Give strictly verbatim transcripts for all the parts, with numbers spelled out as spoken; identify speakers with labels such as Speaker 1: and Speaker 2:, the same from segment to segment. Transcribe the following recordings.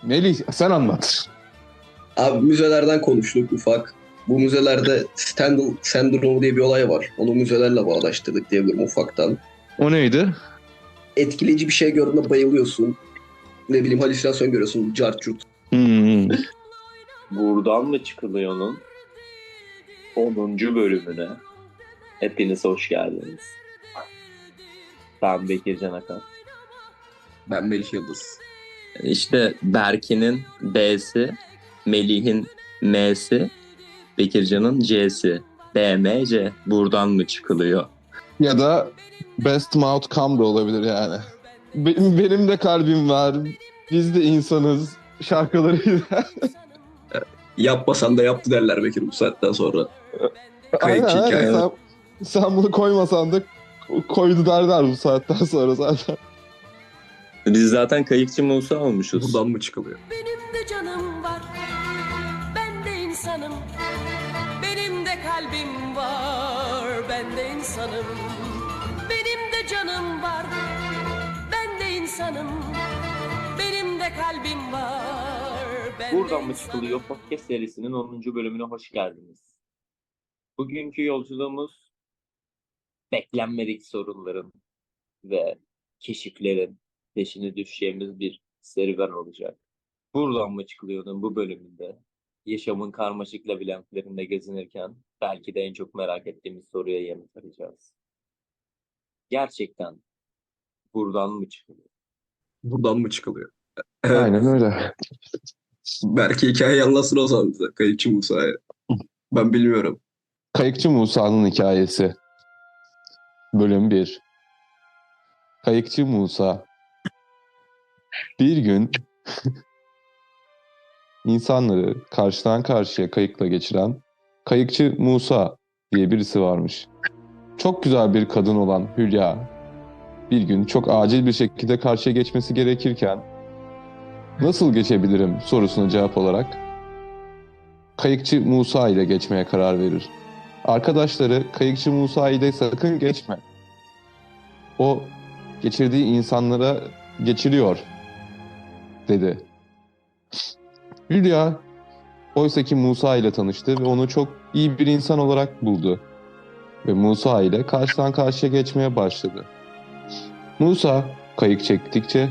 Speaker 1: Melih sen anlat.
Speaker 2: Abi müzelerden konuştuk ufak. Bu müzelerde Stendhal sendromu diye bir olay var. Onu müzelerle bağdaştırdık diyebilirim ufaktan.
Speaker 1: O neydi?
Speaker 2: Etkileyici bir şey gördüğünde bayılıyorsun. Ne bileyim halüsinasyon görüyorsun. Cart curt.
Speaker 1: Hmm.
Speaker 3: Buradan mı çıkılıyor'nun onuncu bölümüne hepiniz hoş geldiniz. Ben Bekir Can Akan.
Speaker 2: Ben Melih Yıldız.
Speaker 3: İşte Berkin'in B'si, Melih'in M'si, Bekircan'ın C'si. B M C. Buradan mı çıkılıyor?
Speaker 1: Ya da best mouth come da olabilir yani. Benim, benim de kalbim var. Biz de insanız. Şarkılarıyla.
Speaker 2: Yapmasan da yaptı derler Bekir bu saatten sonra. Kayıp
Speaker 1: Aynen
Speaker 2: hikaye.
Speaker 1: aynen. Sen, sen bunu koymasan da koydu derler bu saatten sonra zaten.
Speaker 3: Biz zaten Kayıkçı Musa olmuşuz.
Speaker 2: Buradan mı çıkılıyor?
Speaker 4: Benim de canım var, ben de insanım. Benim de kalbim var, ben de insanım. Benim de canım var, ben de insanım. Benim de kalbim var, ben de
Speaker 3: Buradan mı
Speaker 4: insanım.
Speaker 3: çıkılıyor podcast serisinin onuncu bölümüne hoş geldiniz. Bugünkü yolculuğumuz beklenmedik sorunların ve keşiflerin peşine düşeceğimiz bir serüven olacak. Buradan mı çıkılıyordun bu bölümünde? Yaşamın karmaşık labirentlerinde gezinirken belki de en çok merak ettiğimiz soruya yanıt arayacağız. Gerçekten buradan mı çıkılıyor?
Speaker 2: Buradan mı çıkılıyor? Evet.
Speaker 1: Aynen öyle.
Speaker 2: Belki hikayeyi anlatsın o zaman bize. Kayıpçı Musa'ya. Ben bilmiyorum.
Speaker 1: Kayıkçı Musa'nın hikayesi. Bölüm bir. Kayıkçı Musa. Bir gün insanları karşıdan karşıya kayıkla geçiren Kayıkçı Musa diye birisi varmış. Çok güzel bir kadın olan Hülya bir gün çok acil bir şekilde karşıya geçmesi gerekirken nasıl geçebilirim sorusuna cevap olarak Kayıkçı Musa ile geçmeye karar verir. Arkadaşları Kayıkçı Musa ile sakın geçme. O geçirdiği insanlara geçiriyor dedi. Hülya oysaki Musa ile tanıştı ve onu çok iyi bir insan olarak buldu. Ve Musa ile karşıdan karşıya geçmeye başladı. Musa kayık çektikçe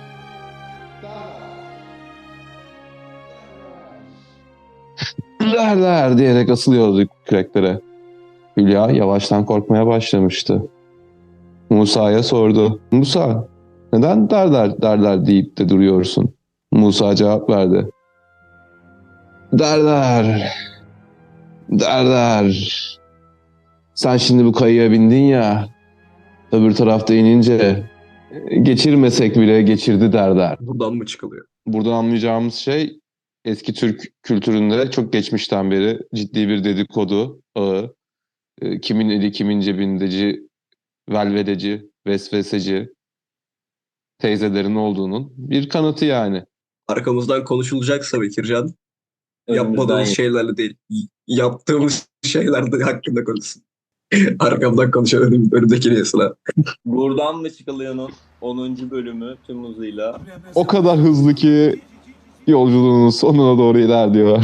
Speaker 1: der der diyerek asılıyordu küreklere. Hülya yavaştan korkmaya başlamıştı. Musa'ya sordu. Musa neden der der derler deyip de duruyorsun? Musa cevap verdi. Der der. Der der. Sen şimdi bu kayığa bindin ya. Öbür tarafta inince geçirmesek bile geçirdi der der.
Speaker 2: Buradan mı çıkılıyor?
Speaker 1: Buradan anlayacağımız şey eski Türk kültüründe çok geçmişten beri ciddi bir dedikodu ağı. E, Kimin eli kimin cebindeci, velvedeci, vesveseci teyzelerin olduğunun bir kanıtı yani.
Speaker 2: Arkamızdan konuşulacaksa Bekircan,
Speaker 3: Önümüzden
Speaker 2: yapmadığımız şeylerle değil, y- yaptığımız şeylerde hakkında konuşsun. Arkamdan konuşan önüm, önümdeki neyse lan.
Speaker 3: Buradan mı çıkılıyor'nun onuncu bölümü tüm hızıyla
Speaker 1: O kadar hızlı ki yolculuğunun sonuna doğru ilerliyor.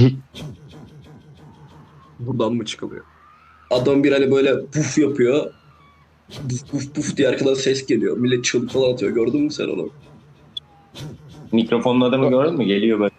Speaker 2: Buradan mı çıkılıyor? Adam bir hani böyle puf yapıyor. Puf puf puf diye arkadan ses geliyor. Millet çığlık falan atıyor. Gördün mü sen onu?
Speaker 3: mikrofonun adamı gördün mü? Geliyor böyle.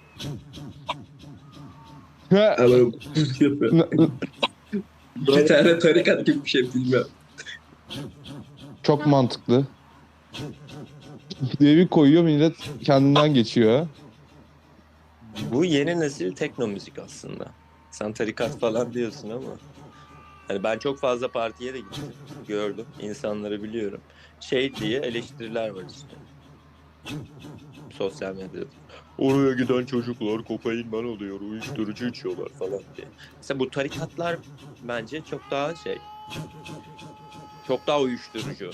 Speaker 2: Ha böyle puf yapıyor. Bir tane tarikat gibi bir şey bilmiyorum.
Speaker 1: Çok mantıklı. Diye bir koyuyor millet kendinden geçiyor.
Speaker 5: Bu yeni nesil tekno müzik aslında. Sen tarikat falan diyorsun ama. Hani ben çok fazla partiye de gittim. Gördüm. İnsanları biliyorum. Şey diye eleştiriler var işte. Sosyal medyada. Oraya giden çocuklar kokainman oluyor, uyuşturucu içiyorlar falan diye. Mesela bu tarikatlar bence çok daha şey. Çok daha uyuşturucu.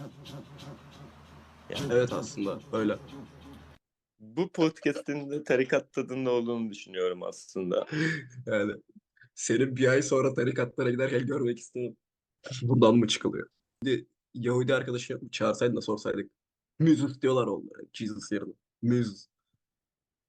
Speaker 2: Evet aslında öyle.
Speaker 5: Bu podcast'in de tarikat tadında olduğunu düşünüyorum aslında.
Speaker 2: Yani senin bir ay sonra tarikatlara giderken görmek istedim. Buradan mı çıkılıyor? Bir Yahudi arkadaşı çağırsaydın da sorsaydık. Müzus diyorlar onlara. Jesus yerine. Müzus.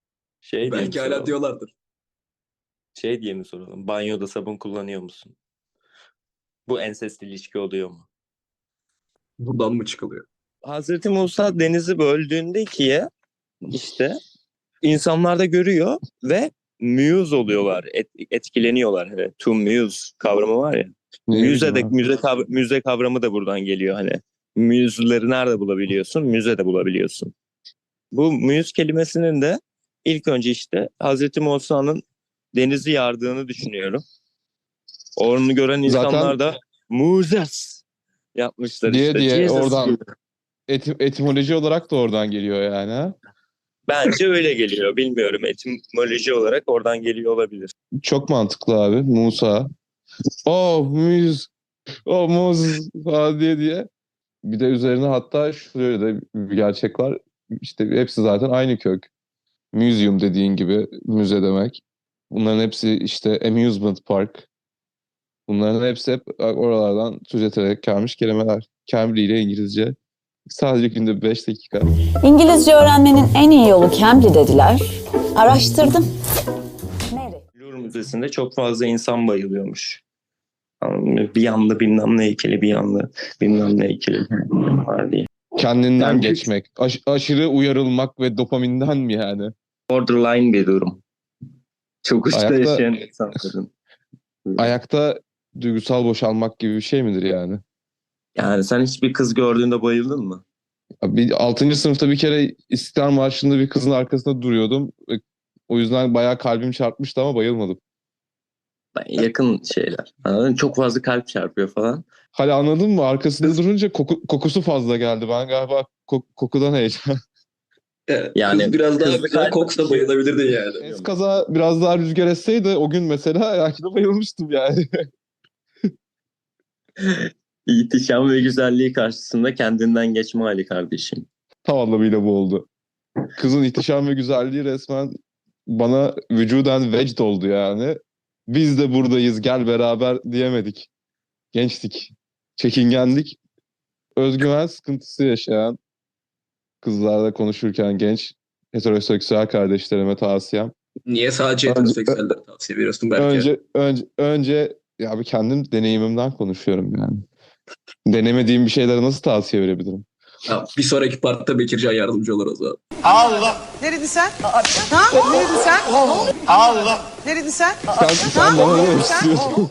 Speaker 5: Şey diye mi
Speaker 2: Belki hala
Speaker 5: soralım?
Speaker 2: diyorlardır.
Speaker 5: Şey diye mi soralım? Banyoda sabun kullanıyor musun? Bu ensest ilişki oluyor mu?
Speaker 2: Buradan mı çıkılıyor?
Speaker 5: Hazreti Musa denizi böldüğünde ikiye işte insanlar da görüyor ve muse oluyorlar, et- etkileniyorlar. Hani to muse kavramı var ya.
Speaker 1: Ne
Speaker 5: Müze
Speaker 1: bileyim
Speaker 5: de
Speaker 1: abi.
Speaker 5: müze kav- müze kavramı da buradan geliyor hani. Muse'leri nerede bulabiliyorsun? Müzede bulabiliyorsun. Bu muse kelimesinin de ilk önce işte Hazreti Musa'nın denizi yardığını düşünüyorum. Onu gören insanlar
Speaker 1: Zaten
Speaker 5: da Moses yapmışlar
Speaker 1: diye
Speaker 5: işte.
Speaker 1: diye
Speaker 5: Jesus
Speaker 1: oradan
Speaker 5: gibi.
Speaker 1: eti- etimoloji olarak da oradan geliyor yani. Ha?
Speaker 5: Bence öyle geliyor. Bilmiyorum. Etimoloji olarak oradan geliyor olabilir.
Speaker 1: Çok mantıklı abi. Musa. Oh Muz. Oh Moses falan diye diye. Bir de üzerine hatta şöyle de bir gerçek var. İşte hepsi zaten aynı kök. Museum dediğin gibi müze demek. Bunların hepsi işte amusement park. Bunların hepsi hep oralardan türeterek gelmiş kelimeler. Cambly ile İngilizce. Sadece günde beş dakika.
Speaker 6: İngilizce öğrenmenin en iyi yolu Cambly dediler. Araştırdım. Nereye?
Speaker 5: Louvre Müzesi'nde çok fazla insan bayılıyormuş. Bir yanda bilmem ne heykeli, bir yanda bilmem ne heykeli var diye.
Speaker 1: Kendinden
Speaker 5: Yani-
Speaker 1: geçmek. Aş- aşırı uyarılmak ve dopaminden mi yani?
Speaker 5: Borderline bir durum. Çok uçta
Speaker 1: Ayakta-
Speaker 5: yaşayan insanların.
Speaker 1: Ayakta duygusal boşalmak gibi bir şey midir yani?
Speaker 5: Yani sen hiçbir kız gördüğünde bayıldın mı?
Speaker 1: Bir altıncı sınıfta bir kere İstiklal Marşı'nda bir kızın arkasında duruyordum. Ve o yüzden bayağı kalbim çarpmıştı ama bayılmadım.
Speaker 5: Yakın şeyler. Anladın mı? Çok fazla kalp çarpıyor falan.
Speaker 1: Hala anladın mı? Arkasında durunca koku- kokusu fazla geldi. Ben galiba ko- kokudan heyecan.
Speaker 2: Yani,
Speaker 5: Yani
Speaker 2: kız biraz daha
Speaker 5: kızlı
Speaker 2: güzel
Speaker 5: kalp
Speaker 2: koksa
Speaker 5: atıyor.
Speaker 2: bayılabilirdin yani.
Speaker 1: Eskaza biraz daha rüzgar esseydi o gün mesela belki de bayılmıştım yani.
Speaker 5: İhtişam ve güzelliği karşısında kendinden geçme hali kardeşim.
Speaker 1: Tam anlamıyla bu oldu. Kızın ihtişam ve güzelliği resmen bana vücuden vecd oldu yani. Biz de buradayız gel beraber diyemedik. Gençtik. Çekingendik. Özgüven sıkıntısı yaşayan kızlarla konuşurken genç heteroseksüel kardeşlerime tavsiyem.
Speaker 2: Niye sadece
Speaker 1: Önce-
Speaker 2: heteroseksüellere tavsiye veriyorsun belki?
Speaker 1: Önce önce önce ya bir kendim deneyimimden konuşuyorum yani. Denemediğim bir şeylere nasıl tavsiye verebilirim?
Speaker 2: Ha, bir sonraki partta Bekircan yardımcı olur o zaman.
Speaker 7: Neredin sen? Ha? Neredin sen? Allah. Neredin sen?
Speaker 1: Sen, sen bana ne demek istiyorsun?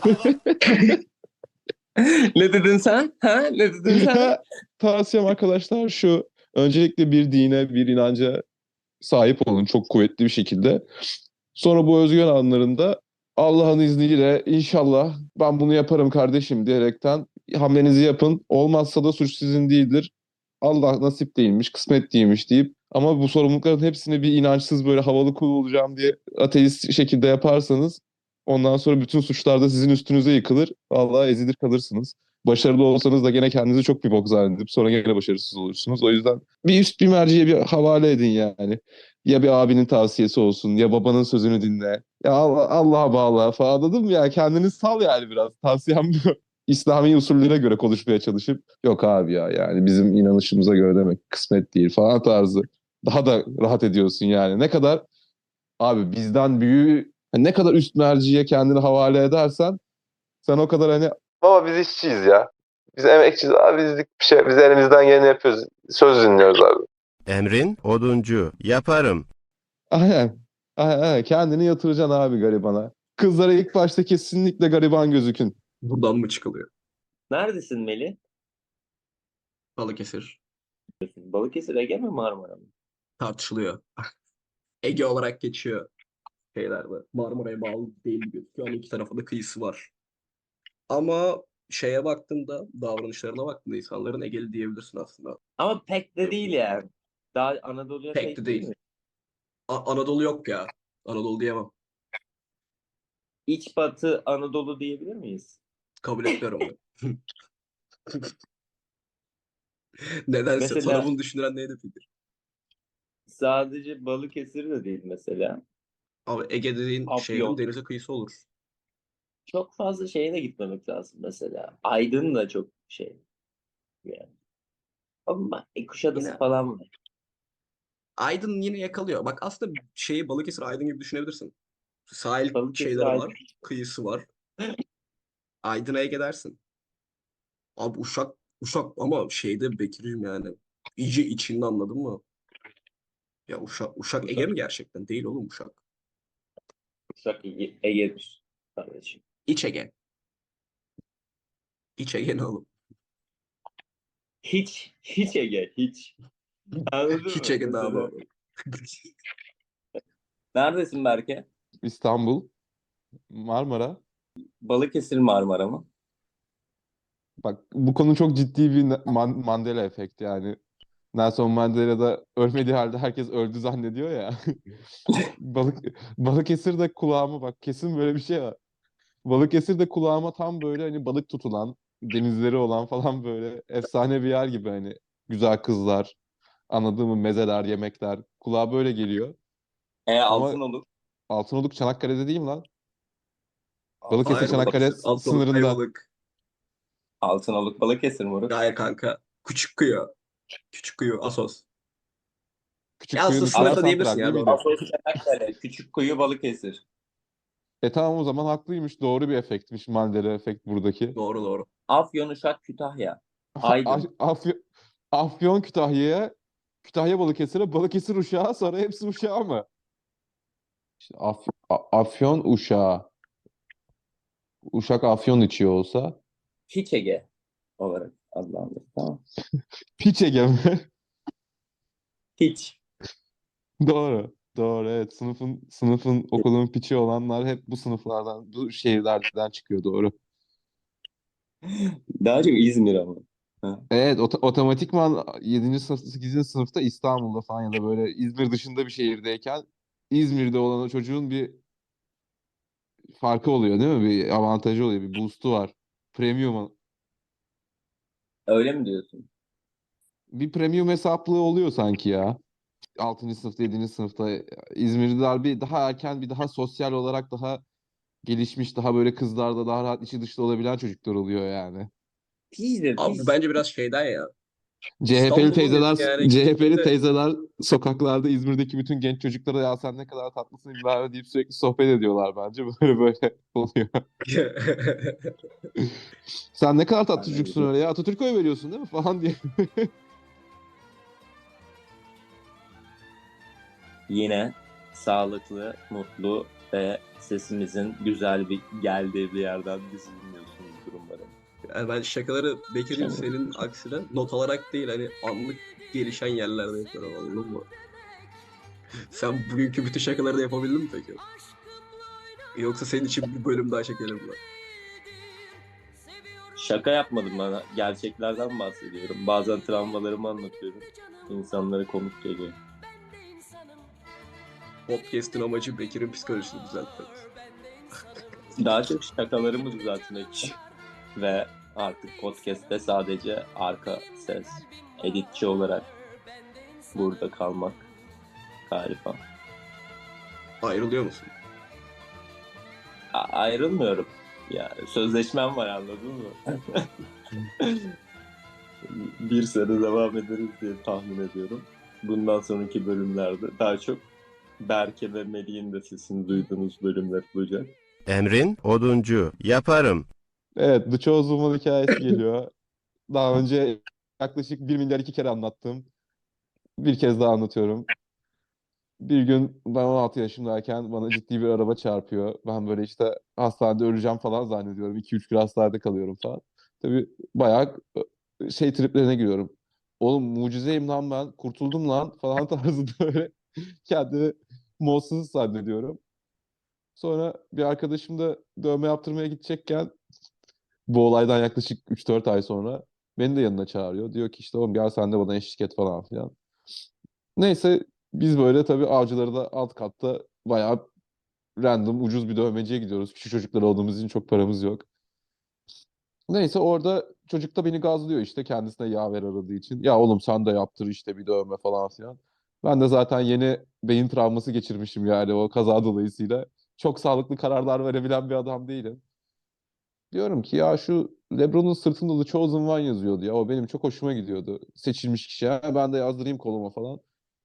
Speaker 5: Ne dedin sen? Ha? Ne dedin sen?
Speaker 1: Tavsiyem arkadaşlar şu. Öncelikle bir dine, bir inanca sahip olun çok kuvvetli bir şekilde. Sonra bu özgüven anlarında Allah'ın izniyle inşallah ben bunu yaparım kardeşim diyerekten hamlenizi yapın. Olmazsa da suç sizin değildir. Allah nasip değilmiş, kısmet değilmiş deyip ama bu sorumlulukların hepsini bir inançsız böyle havalı kul olacağım diye ateist şekilde yaparsanız ondan sonra bütün suçlar da sizin üstünüze yıkılır. Vallahi ezilir kalırsınız. Başarılı olsanız da gene kendinizi çok bir bok zannedip sonra gene başarısız olursunuz. O yüzden bir üst bir merciye bir havale edin yani. Ya bir abinin tavsiyesi olsun ya babanın sözünü dinle. Ya Allah, Allah'a bağla falan anladın mı ya? Kendini sal yani biraz. Tavsiyem bu. İslami usullere göre konuşmaya çalışıp yok abi ya yani bizim inanışımıza göre demek kısmet değil falan tarzı. Daha da rahat ediyorsun yani. Ne kadar abi bizden büyüğü ne kadar üst merciye kendini havale edersen sen o kadar hani baba biz işçiyiz ya. Biz emekçiyiz abi bizlik bir şey. Biz elimizden geleni yapıyoruz. Söz dinliyoruz abi.
Speaker 8: Emrin oduncu. Yaparım.
Speaker 1: Aynen. Aynen, aynen. Kendini yatıracaksın abi garibana. Kızlara ilk başta kesinlikle gariban gözükün.
Speaker 2: Buradan mı çıkılıyor?
Speaker 5: Neredesin Melih?
Speaker 2: Balıkesir.
Speaker 5: Balıkesir, Ege mi, Marmara mı?
Speaker 2: Tartışılıyor. Ege olarak geçiyor şeylerde. Marmara'ya bağlı değil gibi gözüküyor ama iki tarafında kıyısı var. Ama şeye baktığında, davranışlarına baktığında insanların Egeli diyebilirsin aslında.
Speaker 5: Ama pek de değil yani. Daha Anadolu'ya
Speaker 2: Pek
Speaker 5: pek,
Speaker 2: de
Speaker 5: değil
Speaker 2: değil.
Speaker 5: mi?
Speaker 2: A- Anadolu yok ya. Anadolu diyemem.
Speaker 5: İç batı Anadolu diyebilir miyiz?
Speaker 2: Kabul etmiyorum onu. Nedense
Speaker 5: Mesela-
Speaker 2: sana bunu düşündüren neydi fikir?
Speaker 5: Sadece Balıkesir de değil mesela.
Speaker 2: Abi Ege dediğin
Speaker 5: Afyon.
Speaker 2: şehrin denize kıyısı olur.
Speaker 5: Çok fazla şeye de gitmemek lazım mesela. Aydın da çok şey yani. Ama e, Kuşadası
Speaker 2: Yine-
Speaker 5: falan var.
Speaker 2: Aydın yine yakalıyor. Bak aslında şeyi Balıkesir Aydın gibi düşünebilirsin. Sahil
Speaker 3: Balıkesir
Speaker 2: şeyleri
Speaker 3: Aydın.
Speaker 2: var. Kıyısı var. Aydın'a Ege dersin. Abi Uşak Uşak ama şeyde Bekir'im yani. İyice içinde anladın mı? Ya Uşak Uşak Ege
Speaker 3: Uşak,
Speaker 2: mi gerçekten? Değil oğlum Uşak.
Speaker 3: Uşak Ege, Ege'dir kardeşim.
Speaker 2: İç Ege. İç Ege ne oğlum?
Speaker 3: Hiç, hiç Ege, hiç. Anladın
Speaker 2: Hiç
Speaker 3: mı?
Speaker 2: Ege daha
Speaker 3: Mesela,
Speaker 2: doğru.
Speaker 3: neredesin Berke?
Speaker 1: İstanbul, Marmara.
Speaker 3: Balıkesir Marmara mı?
Speaker 1: Bak bu konu çok ciddi bir na- Man- Mandela efekti yani. Nelson Mandela da ölmediği halde herkes öldü zannediyor ya. Balık Balıkesir'de kulağıma bak kesin böyle bir şey var. Balıkesir'de kulağıma tam böyle hani balık tutulan, denizleri olan falan böyle efsane bir yer gibi hani güzel kızlar, anladığım mı mezeler, yemekler kulağa böyle geliyor.
Speaker 3: E
Speaker 1: Ama
Speaker 3: Altınoluk.
Speaker 1: Altınoluk Çanakkale'de değil mi lan? Balıkesir
Speaker 2: Hayır
Speaker 1: Çanakkale
Speaker 2: Balıkesir.
Speaker 1: s-
Speaker 2: Altınoluk
Speaker 1: sınırında.
Speaker 2: Ayvalık.
Speaker 3: Altınoluk Balıkesir moruk.
Speaker 2: Hayır kanka. Küçük Kuyu. Küçük Kuyu. Asos. Ya
Speaker 1: Küçükkuyu
Speaker 2: aslında
Speaker 1: dışında
Speaker 2: sınırda
Speaker 3: Asos,
Speaker 2: diyebilirsin
Speaker 1: Santral
Speaker 2: ya
Speaker 1: değil
Speaker 2: doğru.
Speaker 1: miydi?
Speaker 3: Asos Çanakkale, Küçükkuyu Balıkesir.
Speaker 1: E tamam o zaman haklıymış. Doğru bir efektmiş Mandela efekt buradaki.
Speaker 2: Doğru doğru.
Speaker 3: Afyon, Uşak, Kütahya.
Speaker 1: A-
Speaker 3: Aydın.
Speaker 1: Afyon, Afyon Kütahya'ya, Kütahya Balıkesir'e, Balıkesir Uşak'a sonra hepsi Uşak'a mı? İşte Af- A- Afyon Uşak'a. Uşak Afyon içiyor olsa.
Speaker 3: Hiç Ege olarak adlandırılır. Tamam.
Speaker 1: Piç Ege mi?
Speaker 3: Hiç.
Speaker 1: Doğru. Doğru evet. Sınıfın, sınıfın okulun piçi olanlar hep bu sınıflardan, bu şehirlerden çıkıyor doğru.
Speaker 3: Daha çok İzmir ama. Ha.
Speaker 1: Evet, ot- otomatikman yedinci sınıf, sekizinci sınıfta İstanbul'da falan ya da böyle İzmir dışında bir şehirdeyken İzmir'de olan o çocuğun bir farkı oluyor değil mi? Bir avantajı oluyor, bir boost'u var. Premium,
Speaker 3: Öyle mi diyorsun?
Speaker 1: bir premium hesaplığı oluyor sanki ya. altıncı sınıfta, yedinci sınıfta İzmirliler bir daha erken, bir daha sosyal olarak daha gelişmiş, daha böyle kızlarda daha rahat içi dışta olabilen çocuklar oluyor yani.
Speaker 3: Pizdir,
Speaker 2: Abi bu
Speaker 3: piz.
Speaker 2: bence biraz şeyden ya.
Speaker 1: C H P'li
Speaker 2: İstanbul'un
Speaker 1: teyzeler,
Speaker 2: yani
Speaker 1: C H P'li
Speaker 2: gittiğinde
Speaker 1: teyzeler sokaklarda İzmir'deki bütün genç çocuklara ya sen ne kadar tatlısın bilmem deyip sürekli sohbet ediyorlar bence. Böyle böyle oluyor. Sen ne kadar tatlı çocuksun öyle ya. Atatürk'e oy veriyorsun değil mi falan diye.
Speaker 3: Yine sağlıklı, mutlu ve sesimizin güzel bir geldiği bir yerden bizi dinliyorsunuzdur umarım.
Speaker 2: Yani ben şakaları Bekir'in
Speaker 3: Evet.
Speaker 2: senin aksine not alarak değil hani anlık gelişen yerlerde yapıyorum anladın mı? Sen bugünkü bütün şakaları da yapabildin mi peki? Yoksa senin için bir bölüm daha çekelim mi?
Speaker 3: Şaka yapmadım bana. Gerçeklerden bahsediyorum. Bazen travmalarımı anlatıyorum. İnsanlara komik geliyor.
Speaker 2: Podcast'in amacı Bekir'in psikolojisini düzeltmek.
Speaker 3: Daha çok şakalarımı düzeltmek ve artık podcast'te sadece arka ses editçi olarak burada kalmak galiba.
Speaker 2: Ayrılıyor musun?
Speaker 3: A- ayrılmıyorum. Yani sözleşmem var anladın mı? Bir sene devam ederiz diye tahmin ediyorum. Bundan sonraki bölümlerde daha çok Berke ve Melih'in de sesini duyduğunuz bölümler olacak.
Speaker 8: Emrin oduncu. Yaparım.
Speaker 1: Evet, The Chosen One hikayesi geliyor. Daha önce yaklaşık bir milyar iki kere anlattım. Bir kez daha anlatıyorum. Bir gün ben on altı yaşındayken bana ciddi bir araba çarpıyor. Ben böyle işte hastanede öleceğim falan zannediyorum. iki üç gün hastanede kalıyorum falan. Tabii bayağı e, şey triplerine giriyorum. Oğlum mucizeyim lan ben. Kurtuldum lan falan tarzında böyle kendimi mutsuz zannediyorum. Sonra bir arkadaşım da dövme yaptırmaya gidecekken bu olaydan yaklaşık üç dört ay sonra beni de yanına çağırıyor. Diyor ki işte oğlum gel sen de bana eşlik et falan filan. Neyse biz böyle tabii Avcılar'da da alt katta bayağı random ucuz bir dövmeciye gidiyoruz. Küçük çocuklar olduğumuz için çok paramız yok. Neyse orada çocuk da beni gazlıyor işte kendisine yaver aradığı için. Ya oğlum sen de yaptır işte bir dövme falan filan. Ben de zaten yeni beyin travması geçirmişim yani o kaza dolayısıyla. Çok sağlıklı kararlar verebilen bir adam değilim. Diyorum ki ya şu LeBron'un sırtında The Chosen One yazıyordu ya. O benim çok hoşuma gidiyordu. Seçilmiş kişi. Ha, ben de yazdırayım koluma falan.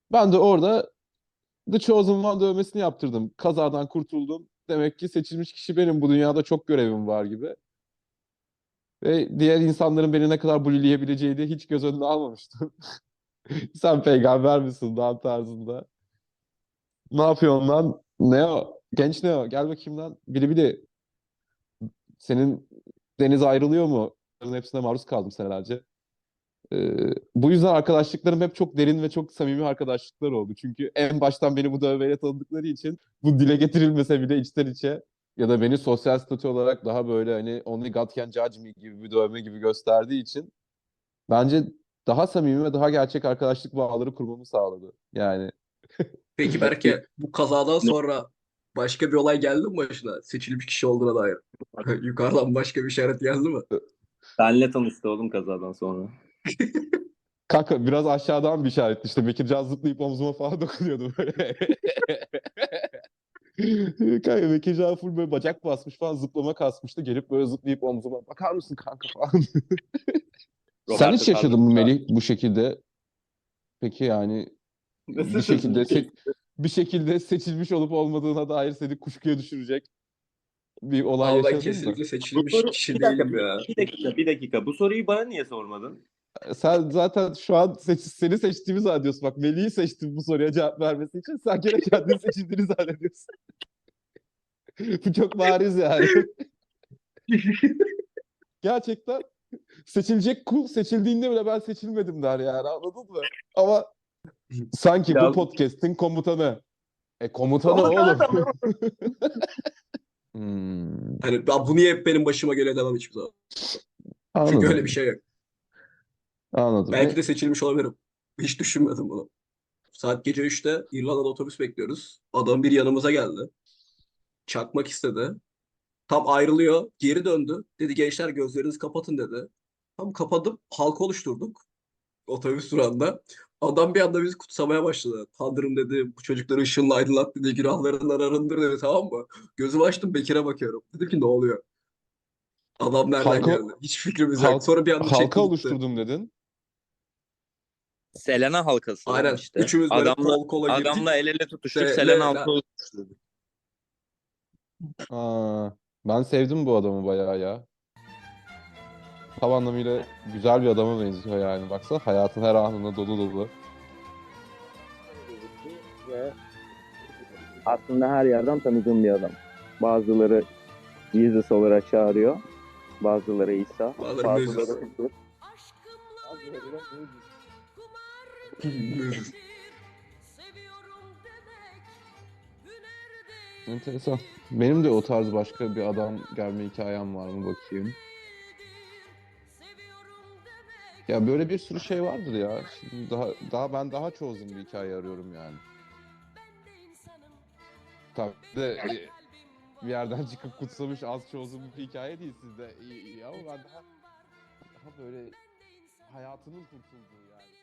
Speaker 1: Ben de orada The Chosen One dövmesini yaptırdım. Kazadan kurtuldum. Demek ki seçilmiş kişi benim. Bu dünyada çok görevim var gibi. Ve diğer insanların beni ne kadar bullyleyebileceğini hiç göz önüne almamıştım. Sen peygamber misin lan tarzında. Ne yapıyorsun lan? Neo. Genç Neo. Gel bakayım lan. Bili bili. Senin deniz ayrılıyor mu? Bunların hepsine maruz kaldım senelerce. Ee, bu yüzden arkadaşlıklarım hep çok derin ve çok samimi arkadaşlıklar oldu. Çünkü en baştan beni bu dövmeyle tanıdıkları için bu dile getirilmese bile içten içe ya da beni sosyal statü olarak daha böyle hani only God can judge me gibi bir dövme gibi gösterdiği için bence daha samimi ve daha gerçek arkadaşlık bağları kurmamı sağladı. Yani
Speaker 2: Peki Berke, bu kazadan sonra başka bir olay geldi mi başına? Seçilmiş kişi olduğuna dair. Yukarıdan başka bir işaret geldi mi?
Speaker 5: Benle tanıştı oğlum kazadan sonra.
Speaker 1: kanka biraz aşağıdan bir işaretti işte. Bekircan zıplayıp omzuma falan dokunuyordu böyle. Kanka Bekircan full böyle bacak basmış falan zıplama kasmıştı. Gelip böyle zıplayıp omzuma bakar mısın kanka falan. Sen hiç
Speaker 5: Roberto
Speaker 1: yaşadın mı
Speaker 5: Carlos da-
Speaker 1: Melih bu şekilde? Peki yani bir şekilde se- bir şekilde seçilmiş olup olmadığına dair seni kuşkuya düşürecek bir olay
Speaker 2: Ama ben
Speaker 1: yaşadın mı?
Speaker 2: kesinlikle
Speaker 5: Bu
Speaker 2: seçilmiş
Speaker 5: soru,
Speaker 2: kişi
Speaker 5: bir dakika,
Speaker 2: değilim ya.
Speaker 5: bir dakika, bir dakika. Bu soruyu bana niye sormadın?
Speaker 1: Sen zaten şu an seç, seni seçtiğimi zannediyorsun. Bak Melih'i seçtim bu soruya cevap vermesi için. Sen gene kendini seçildiğini zannediyorsun. Bu çok bariz yani. Gerçekten seçilecek kul seçildiğinde bile ben seçilmedim der yani anladın mı? Ama sanki bu
Speaker 5: Biraz-
Speaker 1: podcast'in komutanı. E komutanı
Speaker 5: Komutanı
Speaker 1: oğlum.
Speaker 5: da mı?
Speaker 1: Hmm,
Speaker 2: Hani ben bu niye hep benim başıma geliyor demem hiçbir zaman. Çünkü öyle bir
Speaker 1: anladım.
Speaker 2: şey yok.
Speaker 1: Anladım.
Speaker 2: Belki
Speaker 1: E,
Speaker 2: de seçilmiş olabilirim. Hiç düşünmedim bunu. Saat gece üçte İrlanda'da otobüs bekliyoruz. Adam bir yanımıza geldi. Çakmak istedi. Tam ayrılıyor. Geri döndü. Dedi gençler gözlerinizi kapatın dedi. Tam kapadım. Halka oluşturduk. Otobüs durağında. Adam bir anda bizi kutsamaya başladı. Tanrım dedi bu çocukları ışınla aydınlat dedi. Günahlarından arındır dedi tamam mı? Gözümü açtım Bekir'e bakıyorum. Dedim ki ne oluyor? Adam nereden
Speaker 1: halka
Speaker 2: geldi? Hiç fikrimiz yok.
Speaker 1: halk
Speaker 2: Sonra bir anda
Speaker 1: halka
Speaker 2: çekti gitti.
Speaker 1: oluşturdum dedin.
Speaker 5: Selena halkası oğlum
Speaker 2: Aynen.
Speaker 5: işte.
Speaker 2: Üçümüz böyle
Speaker 5: Adamla
Speaker 2: kol kola
Speaker 5: adamla
Speaker 2: girdik.
Speaker 5: el ele tutuştuk,
Speaker 2: De,
Speaker 5: Selena
Speaker 2: le,
Speaker 5: halkası
Speaker 2: la.
Speaker 5: oluşturduk.
Speaker 1: Aa, ben sevdim bu adamı bayağı ya. Tam anlamıyla güzel bir adama benziyor yani. Baksana hayatın her anında dolu dolu.
Speaker 5: Ve aslında her yerden tanıdığım bir adam. Bazıları Jesus olarak çağırıyor. Bazıları İsa.
Speaker 2: Bazıları
Speaker 5: Bazıları
Speaker 2: Moses.
Speaker 5: Hızır.
Speaker 4: Aşkımla
Speaker 5: Bazıları da Moses.
Speaker 4: kumar
Speaker 2: Moses.
Speaker 4: seviyorum demek hüner değil.
Speaker 1: Enteresan. Benim de o tarz başka bir adam gelme hikayem var mı bakayım.
Speaker 4: Seviyorum demek
Speaker 1: Ya böyle bir sürü şey vardır ya. Şimdi daha daha ben daha chosen bir hikaye arıyorum yani.
Speaker 4: ben de insanım.
Speaker 1: Tabii de e,
Speaker 4: Kalbim
Speaker 1: bir yerden çıkıp kutsamış az chosen bir hikaye değil sizde. İyi, iyi ama ben daha daha böyle hayatının kurtulduğu yani.